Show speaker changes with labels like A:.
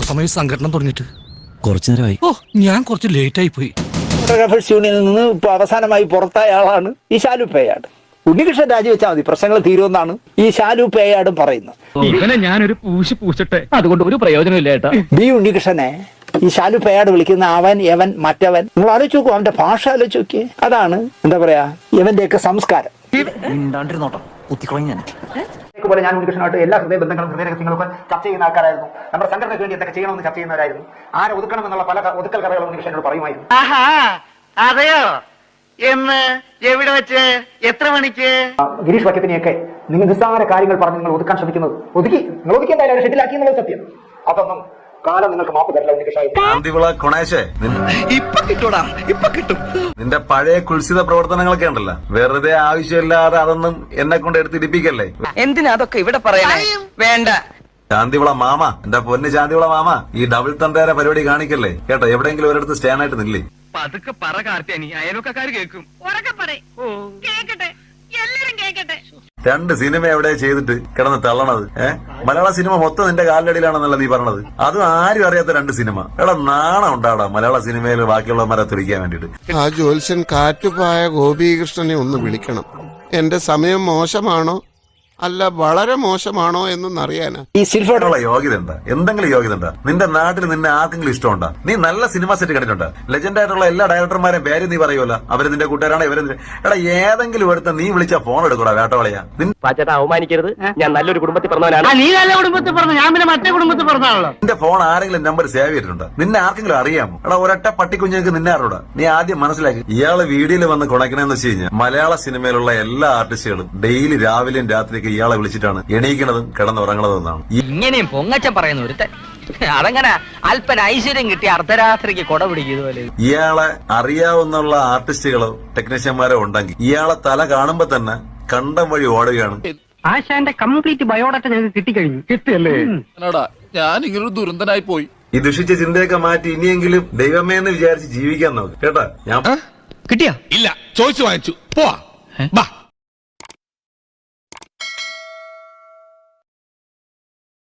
A: സമയം സംഘടന തുടങ്ങിയിട്ട്
B: കുറച്ചു നേരമായി.
A: ഓ ഞാൻ കുറച്ച് ലേറ്റ് ആയി പോയി.
C: ഫോട്ടോഗ്രാഫേഴ്സ് യൂണിയനിൽ നിന്ന് ഇപ്പൊ അവസാനമായി പുറത്തായ ആളാണ് ഈ ശാലു പേയാട്. ഉണ്ണികൃഷ്ണൻ രാജിവെച്ചാൽ മതി, പ്രശ്നങ്ങൾ തീരുമെന്നാണ് ഈ ശാലു പേയാടും പറയുന്നത്.
D: ഇവനെ ഞാനൊരു പൂശിട്ടെ അതുകൊണ്ട് ഒരു പ്രയോജനമില്ല ഏട്ടാ.
C: ബി ഉണ്ണികൃഷ്ണനെ ഈ ശാലു പേയാട് വിളിക്കുന്ന അവൻ യവൻ മറ്റവൻ, നിങ്ങൾ ആലോചിച്ച് നോക്കൂ, അവന്റെ ഭാഷ ആലോചിച്ച് നോക്കിയേ. അതാണ് എന്താ പറയാ ഇവന്റെയൊക്കെ സംസ്കാരം. പോലെ ഞാൻ ഉണ്ണികൃഷ്ണനായിട്ട് എല്ലാ ഹൃദയ ബന്ധങ്ങളും ഹൃദയ രഹസ്യങ്ങളൊക്കെ ചർച്ച ചെയ്യുന്ന ആൾക്കാരായിരുന്നു. നമ്മുടെ സംഘടനയ്ക്ക് വേണ്ടി എന്തൊക്കെ ചെയ്യണമെന്ന് ചർച്ച ചെയ്യുന്നവരായിരുന്നു. ആരെ ഒതുക്കണം എന്നുള്ള പല ഒതുക്കൽ കഥകൾ ഉണ്ണികൃഷ്ണനോട് പറയുമായിരുന്നു.
E: അതെയോ? എന്ന് എവിടെ വെച്ച് എത്ര മണിക്ക്?
C: ഗിരീഷ് വക്കത്തിനെയൊക്കെ നിങ്ങൾ നിസ്സാര കാര്യങ്ങൾ പറഞ്ഞ് നിങ്ങൾ ഒതുക്കാൻ ശ്രമിക്കുന്നത് നിങ്ങൾ ഒതുക്കിയെന്തായാലും ഷെഡിലാക്കി എന്നുള്ളത് സത്യം. അതൊന്നും കാലം നിങ്ങൾക്ക് മാപ്പ് തരില്ല ഉണ്ണികൃഷ്ണ.
F: നിന്റെ പഴയ കുൽസിത പ്രവർത്തനങ്ങളൊക്കെ ഉണ്ടല്ലോ, വെറുതെ ആവശ്യമില്ലാതെ അതൊന്നും എന്നെ കൊണ്ട് എടുത്തിരിപ്പിക്കല്ലേ.
E: എന്തിനാ അതൊക്കെ ഇവിടെ പറയാനേ? വേണ്ട.
F: ശാന്തിവിള മാമ, എന്റെ പൊന്ന് ശാന്തിവിള മാമ, ഈ ഡബിൾ തന്തേര പരിപാടി കാണിക്കല്ലേ കേട്ടോ. എവിടെയെങ്കിലും ഒരിടത്ത് സ്റ്റാൻഡ് ആയിട്ട് നില്ലേ.
D: പതുക്കെ പറ കാർത്തിയാനി, അയൽവക്കാര് കേൾക്കും.
F: രണ്ട് സിനിമ എവിടെ ചെയ്തിട്ട് കിടന്ന് തള്ളണത്? മലയാള സിനിമ മൊത്തം നിന്റെ കാലിലടിയിലാണെന്നല്ല നീ പറഞ്ഞത്. അതും ആരും അറിയാത്ത രണ്ട് സിനിമ. എടാ നാണം ഉണ്ടാടാ മലയാള സിനിമയിൽ ബാക്കിയുള്ളവന്മാരെ തുടിക്കാൻ വേണ്ടിട്ട്.
G: ആ ജ്യോത്സ്യൻ കാറ്റുപായ ഗോപീകൃഷ്ണനെ ഒന്ന് വിളിക്കണം. എന്റെ സമയം മോശമാണോ അല്ല വളരെ മോശമാണോ എന്നൊന്നറിയാനാ.
C: ഈ സിൽഫോട്ടുള്ള
F: യോഗ്യത ഉണ്ടാ, എന്തെങ്കിലും യോഗ്യത ഉണ്ടാ? നിന്റെ നാട്ടിൽ നിന്നെ ആർക്കെങ്കിലും ഇഷ്ടമുണ്ടാ? നീ നല്ല സിനിമ സെറ്റ് കണ്ടിട്ടുണ്ട്. ലെജൻഡ് ആയിട്ടുള്ള എല്ലാ ഡയറക്ടർമാരെയും പേര് നീ പറയുമല്ലോ, അവര് നിന്റെ കൂട്ടുകാരാണ് ഇവര്. എടാ ഏതെങ്കിലും എടുത്ത നീ വിളിച്ച ഫോൺ എടുക്കൂടാ വേട്ടവളയാ.
D: പാച്ചേട്ടാ അവമാനിക്കരുത്, ഞാൻ നല്ലൊരു കുടുംബത്തിൽ പറഞ്ഞവനാണ്.
E: നീ നല്ല കുടുംബത്തിൽ പറഞ്ഞു, ഞാൻ പിന്നെ മറ്റേ കുടുംബത്തിൽ പറഞ്ഞാണല്ലോ.
F: നിന്റെ ഫോൺ ആരെങ്കിലും നമ്പർ സേവ് ചെയ്തിട്ടുണ്ടോ? നിന്നെ ആർക്കെങ്കിലും അറിയാമോ? എടാ ഒരൊറ്റ പട്ടിക്കുഞ്ഞുങ്ങൾക്ക് നിന്നെ അറിയൂടാ. നീ ആദ്യം മനസ്സിലാക്കി. ഇയാള് വീഡിയോയിൽ വന്ന് കുണക്കണെന്ന് വെച്ച് കഴിഞ്ഞാൽ മലയാള സിനിമയിലുള്ള എല്ലാ ആർട്ടിസ്റ്റുകളും ഡെയിലി രാവിലെയും രാത്രിയൊക്കെ ഇയാളെ വിളിച്ചിട്ടാണ് എണീക്കണതും കിടന്നുറങ്ങണതും എന്നാണ്.
E: ഇങ്ങനെയും പൊങ്ങച്ചം പറയുന്ന ഒരുത്തൻ അതങ്ങനെ അല്പന ഐശ്വര്യം കിട്ടിയ അർദ്ധരാത്രിക്ക് കൊട പിടിക്കുന്നതുപോലെ.
F: ഇയാളെ അറിയാവുന്ന ആർട്ടിസ്റ്റുകളോ ടെക്നീഷ്യന്മാരോ ഉണ്ടെങ്കിൽ ഇയാളെ തല കാണുമ്പോ തന്നെ കണ്ടം വഴി ഓടുകയാണ്.
E: ആശാന്റെ കംപ്ലീറ്റ് ബയോഡാറ്റ ഞങ്ങൾക്ക് കിട്ടിക്കഴിഞ്ഞു.
D: കിട്ടിയല്ലേ?
A: ഞാൻ ഇങ്ങനൊരു ദുരന്തനായി പോയി.
F: ഈ ദുഷിച്ച ചിന്തയൊക്കെ മാറ്റി ഇനിയെങ്കിലും ദൈവമേ എന്ന് വിചാരിച്ച് ജീവിക്കാൻ നോക്ക് കേട്ടാ. ഞാൻ
A: കിട്ടിയാ? ഇല്ല, ചോദിച്ചു വാങ്ങിച്ചു. പോവാ.